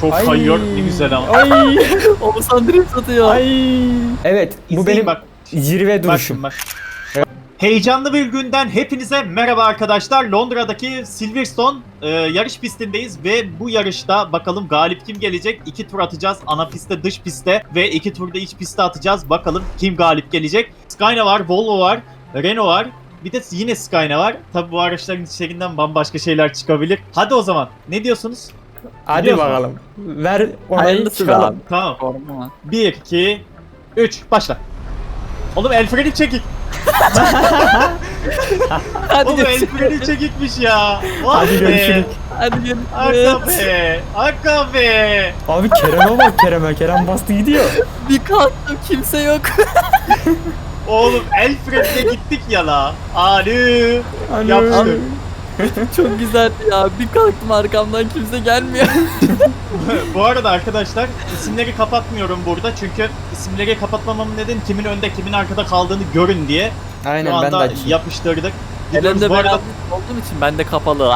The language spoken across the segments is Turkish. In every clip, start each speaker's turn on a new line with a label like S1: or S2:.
S1: Çok
S2: Ay.
S1: kayıyor, ne güzel ama.
S2: Ay.
S3: Oğuzhan drift atıyor.
S2: Ay. Evet, bu
S1: İzleyin
S2: benim
S1: bak.
S2: zirve duruşum.
S1: Bak. Heyecanlı bir günden hepinize merhaba arkadaşlar. Londra'daki Silverstone yarış pistindeyiz ve bu yarışta bakalım galip kim gelecek? 2 tur atacağız. Ana pistte, dış pistte ve 2 turda iç pistte atacağız. Bakalım kim galip gelecek? Skyna var, Volvo var, Renault var. Bir de yine Skyna var. Tabi bu araçların içlerinden bambaşka şeyler çıkabilir. Hadi o zaman. Ne diyorsunuz?
S2: Hadi
S1: Biliyorsun.
S2: bakalım. Ver onayı
S3: Hayırlısı be
S2: çıkalım.
S3: abi.
S1: Tamam.
S3: Forma.
S1: 1, 2, 3. Başla. Oğlum el freni çekik.
S3: Hadi
S1: Oğlum el
S3: görüşürüz.
S1: freni çekikmiş ya. Vay
S2: Hadi
S1: be.
S2: görüşürüz.
S3: Hadi
S1: Aga
S3: görüşürüz.
S1: be. Aga be.
S2: Abi Kerem'e bak Kerem'e. Kerem bastı gidiyor.
S3: Bir kalktım kimse yok.
S1: Oğlum el frenine gittik ya la. Alo.
S2: Alo.
S1: Yapıştır.
S3: Çok güzeldi ya. Bir kalktım arkamdan kimse gelmiyor.
S1: Bu arada arkadaşlar isimleri kapatmıyorum burada çünkü isimleri kapatmamamın nedeni kimin önde kimin arkada kaldığını görün diye. Şu
S2: Aynen ben de
S1: anda
S2: açayım.
S1: yapıştırdık. Gidiyoruz
S3: Elimde
S1: bu arada.
S3: beraber olduğum için ben de kapalı.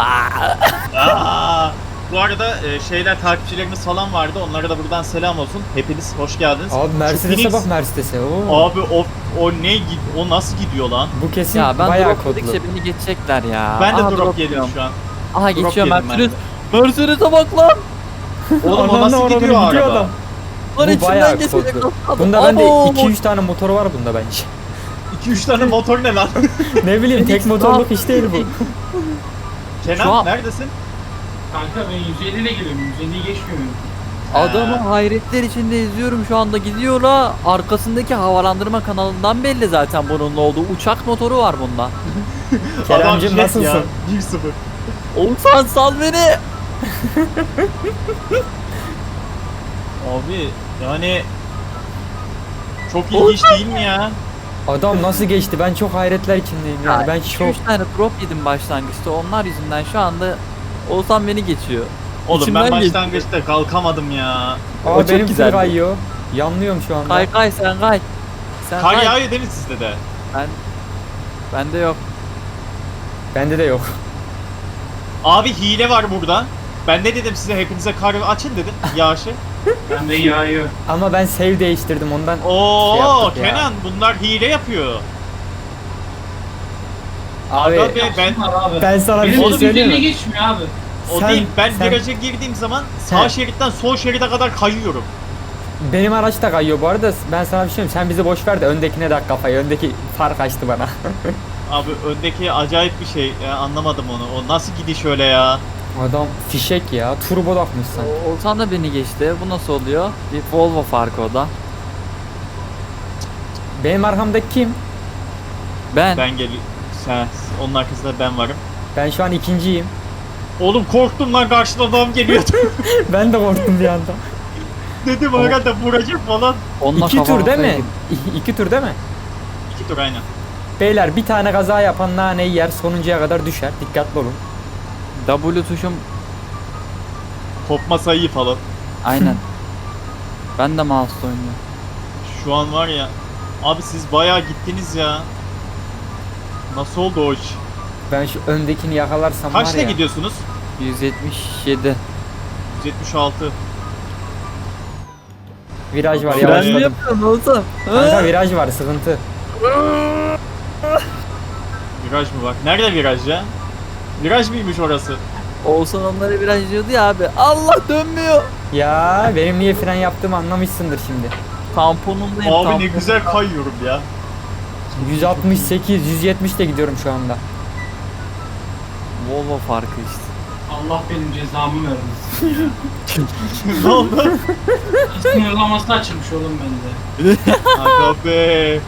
S1: Bu arada şeyler takipçilerimiz falan vardı. Onlara da buradan selam olsun. Hepiniz hoş geldiniz.
S2: Abi
S1: Şu
S2: Mercedes'e
S1: Phoenix-
S2: bak Mercedes'e. Oo.
S1: Abi o nasıl gidiyor lan?
S2: Bu kesin
S3: Ya ben
S2: bayağı
S3: drop
S2: kodlu.
S3: dedikçe beni geçecekler ya.
S1: Ben de
S3: Aha,
S1: drop yedim
S3: yiyorum.
S1: şu an.
S3: Aha
S1: Drop
S3: geçiyor
S1: yedim ben de.
S3: Mercedes. Mercedes'e bak lan.
S1: Oğlum o
S2: Ananı
S1: nasıl
S2: avradını
S1: gidiyor araba?
S2: adam.
S3: Lan
S2: Bu bayağı
S3: içinden geçecek.
S2: kodlu.
S3: nasıl
S2: Bunda
S3: adam?
S2: bende
S3: Abo!
S2: 2-3 tane motoru var bunda bence.
S1: 2-3 tane motor ne lan?
S2: Ne bileyim tek
S3: Phoenix
S2: motorluk
S3: ne
S2: iş değil bu.
S1: Kenan
S3: Şu an-
S1: neredesin?
S4: Kanka ben 150 ile geliyorum. 150'yi geçmiyorum.
S3: Adamı hayretler içinde izliyorum şu anda gidiyor la. Arkasındaki havalandırma kanalından belli zaten bunun olduğu. Uçak motoru var bunda.
S2: Kerem'cim
S1: Adam jet
S2: nasılsın?
S1: ya, 1-0.
S3: Oğuzhan sal beni.
S1: Abi yani çok ilginç değil mi ya?
S2: Adam nasıl geçti? Ben çok hayretler içindeyim yani. Ben şok.
S3: 3 tane drop yedim başlangıçta. Onlar yüzünden şu anda Oğuzhan beni geçiyor.
S1: Oğlum
S3: İçimden
S1: ben
S3: geçti.
S1: başlangıçta kalkamadım ya.
S3: O
S2: Aa
S3: çok
S2: benim full
S3: güzeldi.
S2: kayıyor. Yanlıyorum şu anda.
S3: Kay kay sen kay. Sen
S1: Kar
S3: kay.
S1: yağıyor değil mi sizde de?
S3: Bende yok.
S2: Bende de yok.
S1: Abi hile var burada. Ben ne dedim size hepinize kar açın dedim yağışı.
S4: Ben de yağıyor.
S2: Ama ben save değiştirdim ondan.
S1: Oo
S2: Şey yaptık ya.
S1: Kenan bunlar hile yapıyor.
S2: Abi
S1: Aga be, ben
S4: Yapsınlar abi.
S2: ben sana bir
S4: Benim
S2: şey
S4: oğlum
S2: söyleyeyim
S4: 150
S2: mi?
S4: geçmiyor abi.
S1: o
S2: Sen-
S1: değil. Ben
S2: sen-
S1: viraja girdiğim zaman sağ
S2: He.
S1: şeritten sol şeride kadar kayıyorum.
S2: Benim araç da kayıyor bu arada. Ben sana bir şey söyleyeyim. Sen bizi boş ver de öndekine de kafayı. Öndeki fark açtı bana.
S1: Abi öndeki acayip bir şey. Ya, anlamadım onu. O nasıl gidiş öyle ya?
S2: Adam fişek ya. Turbo takmış sen.
S3: Oğuzhan da beni geçti. Bu nasıl oluyor? Bir Volvo farkı o da.
S2: Benim arkamdaki kim?
S3: Ben.
S1: Ben geliyorum. Onun arkasında ben varım.
S2: Ben şu an ikinciyim.
S1: Oğlum korktum lan karşıda adam geliyordu.
S2: Ben de korktum bir anda.
S1: Dedim herhalde vuracak falan.
S3: Onunla
S2: 2 tur
S3: kafama
S2: değil mi?
S3: koyayım.
S2: 2 tur değil mi?
S1: 2 tur aynen.
S2: Beyler bir tane kaza yapan naneyi yer sonuncuya kadar düşer. Dikkatli olun.
S3: W tuşum
S1: Kopma sayıyı falan.
S3: aynen. Ben de mouse oynuyorum.
S1: Şu an var ya. Abi siz bayağı gittiniz ya. Nasıl oldu o iş?
S2: Ben şu öndekini yakalarsam
S1: Kaçta
S2: var ya.
S1: gidiyorsunuz?
S3: 177.
S1: 176.
S2: Viraj var
S1: Ben
S3: Ben
S2: yavaşladım.
S3: ne yapıyorum Oğuzhan?
S2: Kanka viraj var sıkıntı.
S1: Viraj mı var? Nerede viraj ya? Viraj mıymış orası?
S3: Oğuzhan onları biraz diyordu ya abi. Allah dönmüyor.
S2: Ya benim niye fren yaptığımı anlamışsındır şimdi.
S3: Tamponundayım.
S1: Abi ne
S3: tampon.
S1: güzel kayıyorum ya.
S2: 168, 170 de gidiyorum şu anda.
S3: Volvo farkı işte.
S4: Allah benim cezamı vermesin ya.
S1: Ne oldu?
S4: Sınırlaması açılmış oğlum bende.
S1: Aga be.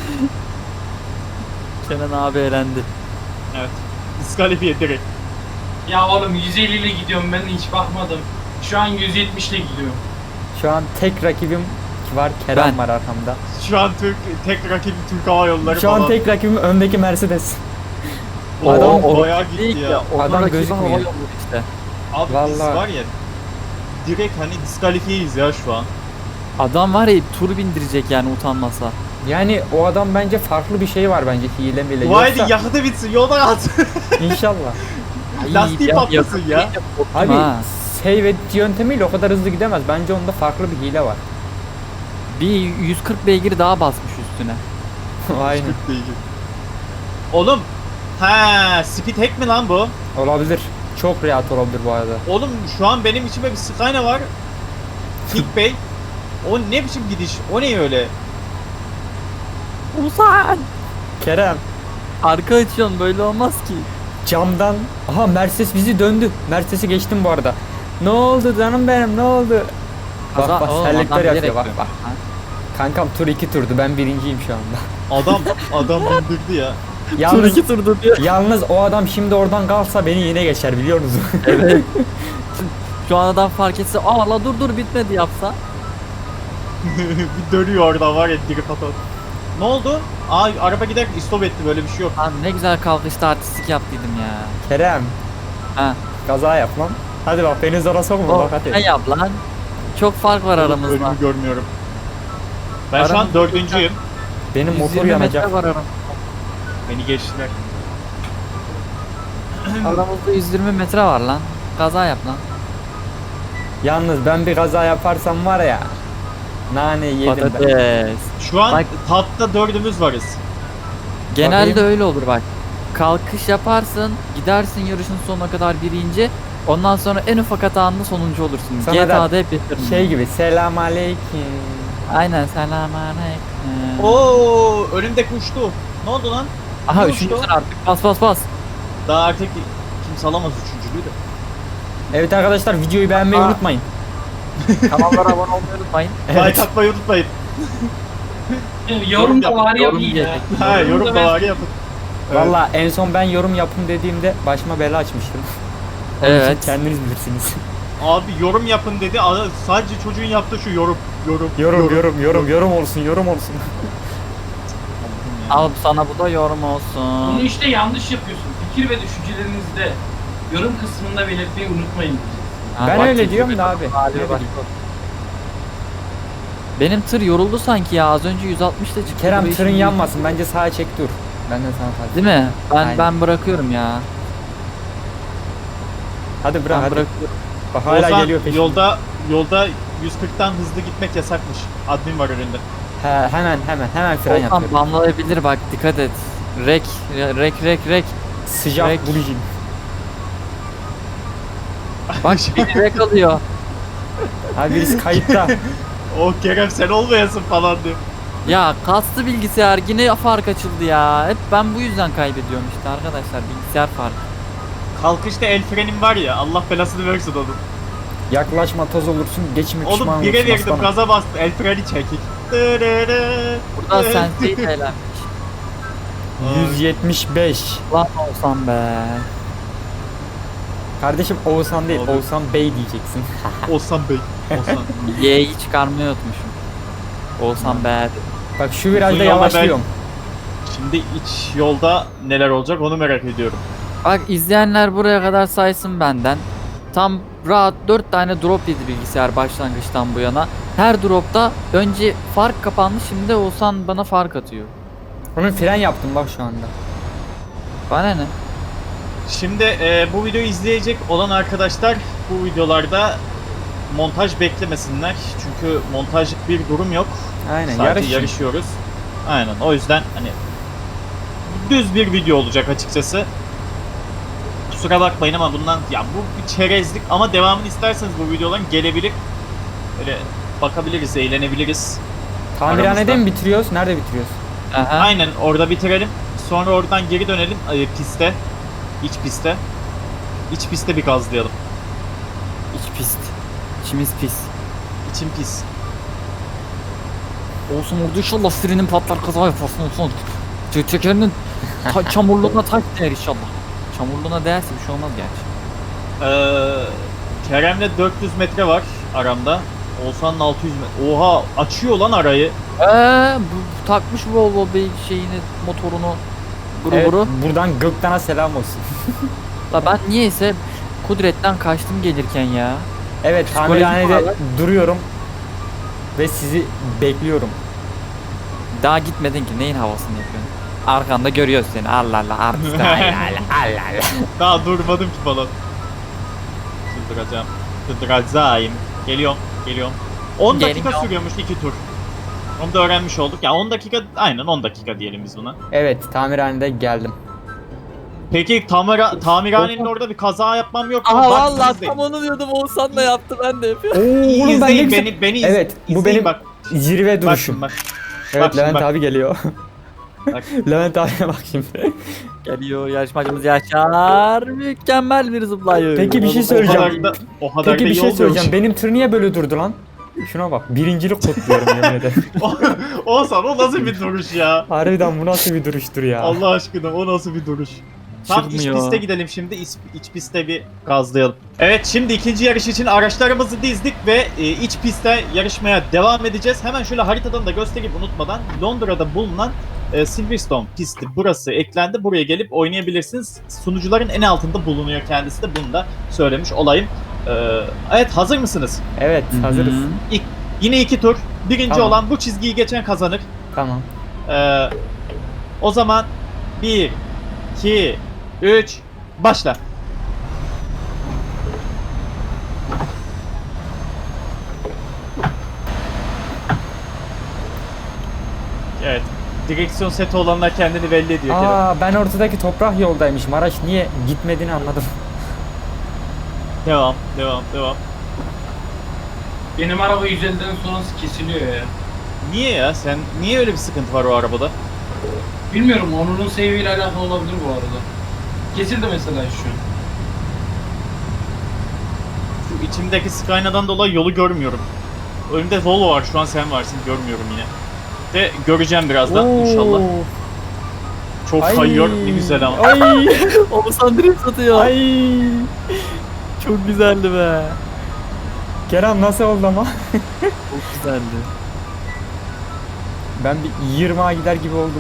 S3: Kenan abi elendi.
S1: Evet. Diskalifiye direkt.
S4: Ya oğlum 150 ile gidiyorum ben hiç bakmadım. Şu an 170 ile gidiyorum.
S2: Şu an tek rakibim var. Kerem
S3: Ben.
S2: var arkamda.
S1: Şu an tek rakibi Türk Hava Yolları
S2: Şu
S1: falan.
S2: an tek rakibim öndeki Mercedes.
S1: O
S2: Adam-
S1: bayağı gitti ya.
S2: Adam
S3: Adam
S2: gözükmüyor.
S3: hava yolu işte.
S1: Abi biz
S2: Vallahi.
S1: var ya direkt hani diskalifiyeyiz ya şu an.
S3: Adam var ya tur bindirecek yani utanmasa.
S2: Yani o adam bence farklı bir şey var bence hile miyle.
S1: Bu haydi
S2: Yoksa
S1: yakıtı bitsin yoldan at.
S2: inşallah.
S1: Lastiği patlasın ya.
S2: Abi
S3: Ha.
S2: save edit yöntemiyle o kadar hızlı gidemez. Bence onda farklı bir hile var.
S3: Bir 140 beygir daha basmış üstüne.
S2: Aynen.
S1: Oğlum. Ha, speed hack mi lan bu?
S2: Olabilir. Çok rahat olabilir bu arada.
S1: Oğlum şu an benim içime bir Skyna var. Kick Bey. O ne biçim gidiş? O ne öyle?
S3: Ulan!
S2: Kerem.
S3: Arka açıyorsun, böyle olmaz ki.
S2: Camdan. Aha Mercedes bizi döndü. Mercedes'i geçtim bu arada. Ne oldu canım benim, ne oldu? Bak bak
S3: Oğlum,
S2: selektör
S3: adam
S2: yapıyor
S3: bilerek
S2: bak
S3: diyor.
S2: bak. Kankam tur 2 turdu, ben birinciyim şu anda.
S1: Adam bindirdi ya.
S2: Yalnız,
S3: turdu diyor.
S2: yalnız o adam şimdi oradan kalsa beni yine geçer biliyor musun?
S3: Evet. Şu an adam fark etse, aa la dur bitmedi yapsa.
S1: Bir dönüyor orada var ya drift atan. Ne oldu? Aa araba giderken istop etti, böyle bir şey yok.
S3: Lan ne güzel kalkışta artistik yaptıydım ya.
S2: Kerem.
S3: Ha.
S2: Kaza yap lan. Hadi bak beni zora sokma
S3: O,
S2: bak hadi.
S3: ne yap lan? Çok fark var aramızda.
S1: Önümü görmüyorum. Ben şu an
S3: Aramızda
S1: 4.'üyüm.
S2: Benim motor
S3: 120
S2: yanacak.
S3: metre var aramızda.
S1: Beni geçtiler.
S3: Aramızda 120 metre var lan. Kaza yap lan.
S2: Yalnız ben bir kaza yaparsam var ya. Nane yedim ben.
S3: Patates.
S1: Şu an
S3: Bak-
S1: tapta 4'ümüz varız.
S3: Genelde
S2: Bakayım.
S3: öyle olur bak. Kalkış yaparsın, gidersin yarışın sonuna kadar birinci. Ondan sonra en ufak hatanda sonuncu olursun.
S2: Sana da
S3: GTA'da hep yapıyorum.
S2: Şey gibi selam aleyküm.
S3: Aynen, selamünaleyküm.
S1: Oo, önümde kuştu. Ne oldu lan?
S3: Aha
S1: ne
S3: üçüncüsün
S1: uçtu?
S3: artık, bas.
S1: Daha artık kimse alamaz üçüncülüğü de.
S2: Evet arkadaşlar videoyu beğenmeyi
S1: Aa.
S2: unutmayın.
S3: Kanallara abone olmayı unutmayın.
S1: Like atmayı unutmayın.
S4: Yorum da
S1: yap,
S4: var ya
S3: yorum
S4: iyi ya.
S3: diyecek.
S1: Ha, yorum da
S4: ben-
S1: var yapın. Evet.
S2: Valla en son ben yorum yapın dediğimde başıma bela açmıştım. Onun için
S3: Evet.
S2: kendiniz bilirsiniz.
S1: Abi yorum yapın dedi. Sadece çocuğun yaptığı şu yorum.
S2: Yorum olsun, yorum olsun.
S3: Al sana bu da yorum
S4: Bunu
S3: olsun.
S4: işte yanlış yapıyorsun. Fikir ve düşüncelerinizde yorum kısmında belirtmeyi unutmayın.
S3: Ha,
S2: Ben
S3: bak,
S2: öyle
S3: çekil
S2: diyorum
S3: be.
S2: da abi.
S3: Hadi
S2: Ne
S3: bak.
S2: bileyim.
S3: Benim tır yoruldu sanki ya, az önce 160'ta çıktı.
S2: Kerem
S3: buraya
S2: tırın
S3: şimdi-
S2: yanmasın, bence sağa çek dur. Benden sana tavsiye.
S3: Değil mi?
S2: Aynen.
S3: Ben bırakıyorum ya.
S2: Hadi bırak
S3: Ben
S2: hadi.
S3: bırakıyorum.
S2: Bak hala
S1: Ozan,
S2: geliyor peşimden.
S1: yolda 140'tan hızlı gitmek yasakmış. Admin var önünde.
S2: He, hemen fren
S3: Olsan
S2: yapıyorum.
S3: banlayabilir bak, dikkat et. Rek.
S2: Sıcak
S3: Direkt-
S2: bulijin.
S3: Bak beni rek alıyor.
S2: Abi birisi kayıtta.
S1: O Kerem sen olmayasın falan diyor.
S3: Ya kastı bilgisayar, yine fark açıldı ya. Hep ben bu yüzden kaybediyorum işte arkadaşlar, bilgisayar farkı.
S1: Kalkışta el frenim var ya, Allah belasını versin onun.
S2: Yaklaşma toz olursun, geçme pişman
S1: Oğlum
S2: olursun.
S1: 1'e verdim,
S2: aslanım.
S1: gaza bastım, el freni çekik.
S3: Burada Sensei eğlenmiş.
S2: 175.
S3: Lan olsam be.
S2: Kardeşim Oğuzhan değil,
S1: Oldu.
S2: Oğuzhan Bey diyeceksin.
S1: Osman Bey. Osman.
S3: Y'yi çıkarmayı unutmuşum. Olsam be.
S2: Bak şu virajda
S1: Uzun yolda
S2: yavaşlıyorum.
S1: Şimdi iç yolda neler olacak onu merak ediyorum.
S3: Bak izleyenler buraya kadar saysın benden. Tam rahat 4 tane drop yedi bilgisayar başlangıçtan bu yana. Her dropta önce fark kapandı, şimdi de Oğuzhan bana fark atıyor.
S2: Onun fren yaptım bak şu anda.
S3: Bana ne?
S1: Şimdi bu videoyu izleyecek olan arkadaşlar bu videolarda montaj beklemesinler. Çünkü montajlık bir durum yok.
S2: Aynen
S1: Sadece
S2: yarış.
S1: yarışıyoruz. Aynen, o yüzden hani düz bir video olacak açıkçası. Kusura bakmayın ama bundan ya bu bir çerezlik, ama devamını isterseniz bu videoların gelebilir. Böyle bakabiliriz, eğlenebiliriz.
S2: Tamirhanede
S1: aramızda.
S2: mi bitiriyoruz? Nerede bitiriyoruz?
S3: Aha.
S1: Aynen, orada bitirelim. Sonra oradan geri dönelim piste. İç piste. İç piste bir gazlayalım.
S3: İç pist. İçimiz pis.
S1: İçim pis.
S3: Olsun orada inşallah frenin patlar, kaza yaparsın olsun. Tekerinin çamurluğuna tak değer inşallah. Çamurluğuna değerse bir şey olmaz gerçi.
S1: Kerem'le 400 metre var aramda. Oğuzhan'ın 600 metre. Oha, açıyor lan arayı.
S3: Bu takmış Volvo bir şeyini, motorunu,
S2: Evet,
S3: guru.
S2: buradan Gökten'e selam olsun.
S3: La ben niyeyse Kudret'ten kaçtım gelirken ya.
S2: Evet,
S3: Psikolojik
S2: tamirhanede
S3: olarak-
S2: duruyorum. Ve sizi bekliyorum.
S3: Daha gitmedin ki, neyin havasını yapıyorsun? Arkanda görüyoruz seni, Allah Allah artist. Allah Allah Allah Allah.
S1: Daha durmadım ki falan. Çıldıracağım. Drazaim. Geliyorum. 10 dakika
S3: Geliyorum.
S1: sürüyormuş 2 tur. Onu da öğrenmiş olduk. Ya 10 dakika, aynen 10 dakika diyelim biz buna.
S2: Evet, tamirhanede geldim.
S1: Peki tamirhanenin orada bir kaza yapmam yok mu?
S3: Aha
S1: Bak,
S3: vallahi
S1: izleyin.
S3: tam onu diyordum, Oğuzhan da yaptı, ben de yapıyorum.
S2: Oo,
S1: İyi,
S2: oğlum ben
S1: izleyin
S2: ne güzel-
S1: beni
S2: Evet, bu
S1: izleyin
S2: benim
S1: bak.
S2: zirve
S1: Bak
S2: duruşum.
S1: şimdi bak.
S2: Evet,
S1: bak şimdi
S2: Levent
S1: bak.
S2: abi geliyor.
S1: Bak.
S2: Levent abiye bak şimdi.
S3: Geliyor yarışmacımız Yaşar. Mükemmel bir zıplayış.
S2: Peki bir şey
S1: O
S2: söyleyeceğim.
S1: o kadar
S2: Peki
S1: da
S2: bir
S1: iyi
S2: şey
S1: olmuyormuş.
S2: söyleyeceğim. Benim tır niye böyle durdu lan? Şuna bak. Birincilik kutluyorum yemin ederim.
S1: Oğuzhan o nasıl bir duruş ya?
S2: Harbiden bu nasıl bir duruştur ya?
S1: Allah aşkına o nasıl bir duruş? Tam iç
S3: Çırpmıyor.
S1: piste gidelim şimdi. İç pistte bir gazlayalım. Evet, şimdi ikinci yarış için araçlarımızı dizdik ve iç pistte yarışmaya devam edeceğiz. Hemen şöyle haritadan da göstereyim unutmadan. Londra'da bulunan Silverstone pisti burası eklendi. Buraya gelip oynayabilirsiniz. Sunucuların en altında bulunuyor kendisi de, bunu da söylemiş olayım. Evet, hazır mısınız?
S2: Evet, hazırız.
S1: Yine 2 tur. Birinci
S2: Tamam.
S1: olan bu çizgiyi geçen kazanır.
S2: Tamam.
S1: O zaman 1, 2, 3, başla. Evet. Direksiyon seti olanlar kendini belli ediyor. Kerem.
S2: Aa, ben ortadaki toprak yoldaymışım. Araç niye gitmediğini anladım.
S1: Devam.
S4: Benim araba 150'den sonrası kesiliyor ya.
S1: Niye ya? Niye öyle bir sıkıntı var o arabada?
S4: Bilmiyorum, onun seviyeyle alakalı olabilir bu arada. Kesildi mesela şu an.
S1: Şu içimdeki Skyna'dan dolayı yolu görmüyorum. Önümde Volvo var, şu an sen varsın, görmüyorum yine. De göreceğim birazdan inşallah. Çok
S2: Ay.
S1: kayıyor, ne güzel ama.
S2: Ay.
S3: Oğuzhan drift atıyor.
S2: Ay.
S3: Çok güzeldi be.
S2: Kerem nasıl oldu ama?
S3: Çok güzeldi.
S2: Ben bir 20'a gider gibi oldum.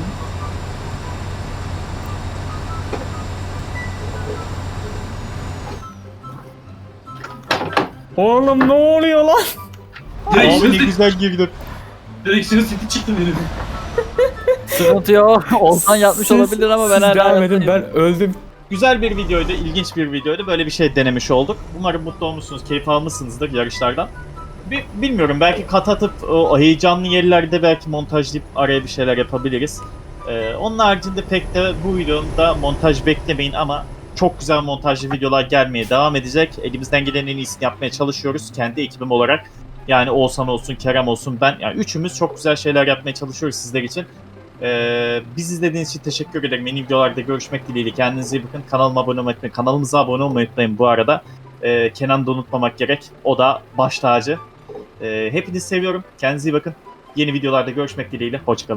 S2: Oğlum ne oluyor lan?
S1: Abi
S4: Direksiyon
S1: ne güzel girdim.
S4: Direksiyon seti çıktı benim.
S3: Sıkıntı yok. Oğuzhan yapmış
S2: Siz-
S3: olabilir ama ben
S2: siz
S3: hala
S2: devam edin,
S3: yapayım.
S2: ben öldüm.
S1: Güzel bir videoydu, ilginç bir videoydu. Böyle bir şey denemiş olduk. Umarım mutlu olmuşsunuz, keyif almışsınızdır yarışlardan. Bilmiyorum, belki kat atıp o heyecanlı yerlerde belki montajlayıp araya bir şeyler yapabiliriz. Onun haricinde pek de bu videonun da montaj beklemeyin ama çok güzel montajlı videolar gelmeye devam edecek. Elimizden gelen en iyisini yapmaya çalışıyoruz kendi ekibim olarak. Yani Oğuzhan olsun, Kerem olsun, ben. Yani üçümüz çok güzel şeyler yapmaya çalışıyoruz sizler için. Biz izlediğiniz için teşekkür ederim. Yeni videolarda görüşmek dileğiyle. Kendinize iyi bakın. Kanalıma abone olmayı unutmayın. Kanalımıza abone olmayı unutmayın bu arada. Kenan'ı da unutmamak gerek. O da baş tacı. Hepinizi seviyorum. Kendinize iyi bakın. Yeni videolarda görüşmek dileğiyle. Hoşçakalın.